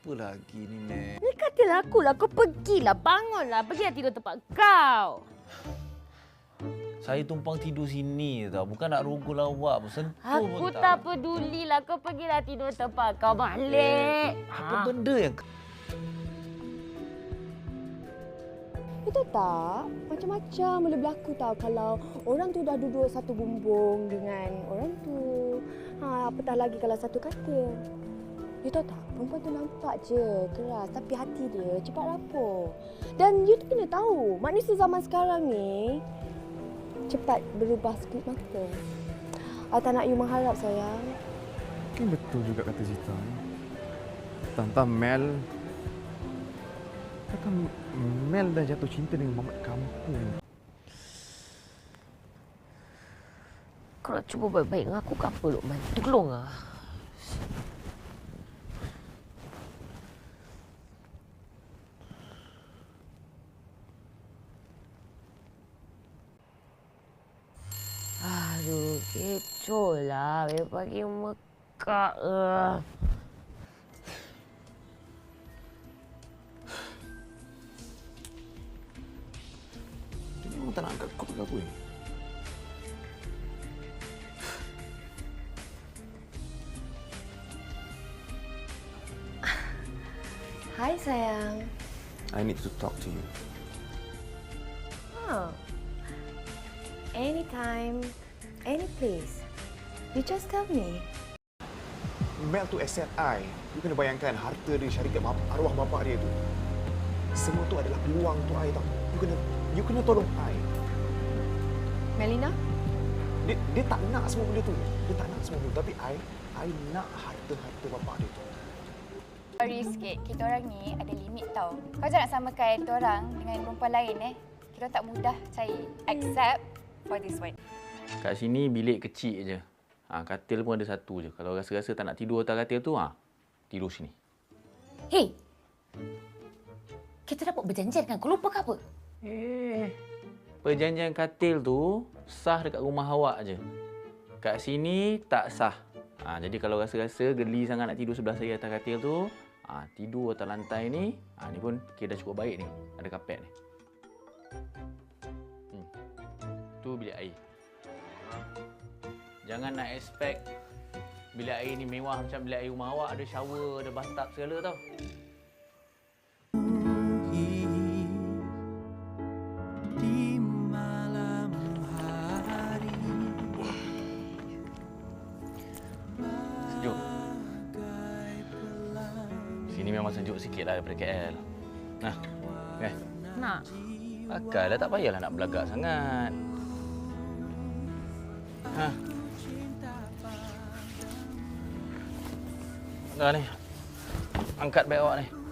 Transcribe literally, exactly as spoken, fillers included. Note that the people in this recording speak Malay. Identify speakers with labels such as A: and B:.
A: Apa lagi ni, Nek?
B: Ni katalah aku lah. Kau pergilah. Bangunlah. Pergilah tidur tempat kau.
A: Saya tumpang tidur sini tau. Bukan nak rogol awak. Sentuh
B: Aku
A: pun tak.
B: tak pedulilah. Kau pergilah tidur tempat kau balik.
A: Eh, apa benda yang...
C: Itu tak, macam-macam boleh berlaku tau kalau orang tu dah duduk satu bumbung dengan orang tu. Ha, apatah lagi kalau satu katil. You tahu tak, perempuan tu nampak je keras tapi hati dia cepat rapuh. Dan you tu kena tahu, manusia zaman sekarang ni cepat berubah sekejap mata. I tak nak you mengharap, sayang.
D: Mungkin betul juga kata Zita. Tentang Mel. Kata Mel dah jatuh cinta dengan mamat kampung.
B: Kau nak cuba baik-baik dengan aku ke apa, Luqman? Tolonglah. Aduh, kecoh lah. Pagi mekak lah.
A: Dia memang tak nak angkat kau ke apa ni?
C: Hai, sayang.
D: I need to talk to you.
C: Oh. Anytime, any place. You just tell me.
E: Mel tu asset I. You kena bayangkan harta dia, syarikat arwah bapa dia tu. Semua tu adalah peluang untuk I tau. You kena you kena tolong I.
C: Melina?
E: Dia, dia tak nak semua benda tu. Dia tak nak semua benda tu. Tapi I, I nak harta-harta bapa dia tu.
F: Sorry sikit, kita orang ni ada limit tau. Kau jangan samakan kita orang dengan perempuan lain eh. Kita tak mudah cari. Except for this one.
A: Kat sini bilik kecil je. Ha, katil pun ada satu je. Kalau rasa-rasa tak nak tidur atas katil tu, ha, tidur sini.
B: Hei! Kita dapat berjanjian kan? Kau lupa ke apa?
A: Eh, perjanjian katil tu sah dekat rumah awak je. Kat sini tak sah. Ha, jadi kalau rasa-rasa geli sangat nak tidur sebelah saya atas katil tu, ha, tidur atas lantai ni. Ha, ni pun kira dah cukup baik ni. Ada kapet ni. Hmm. Tu bilik air. Jangan nak expect bilik air ni mewah macam bilik air rumah awak. Ada shower, ada bathtub segala tau. Sejuk. Sini memang sejuk sikit lah daripada K L. Nah, eh.
B: Nak.
A: Pakai lah, tak payahlah nak belagak sangat. Ha. Dah ni. Angkat beg awak ni.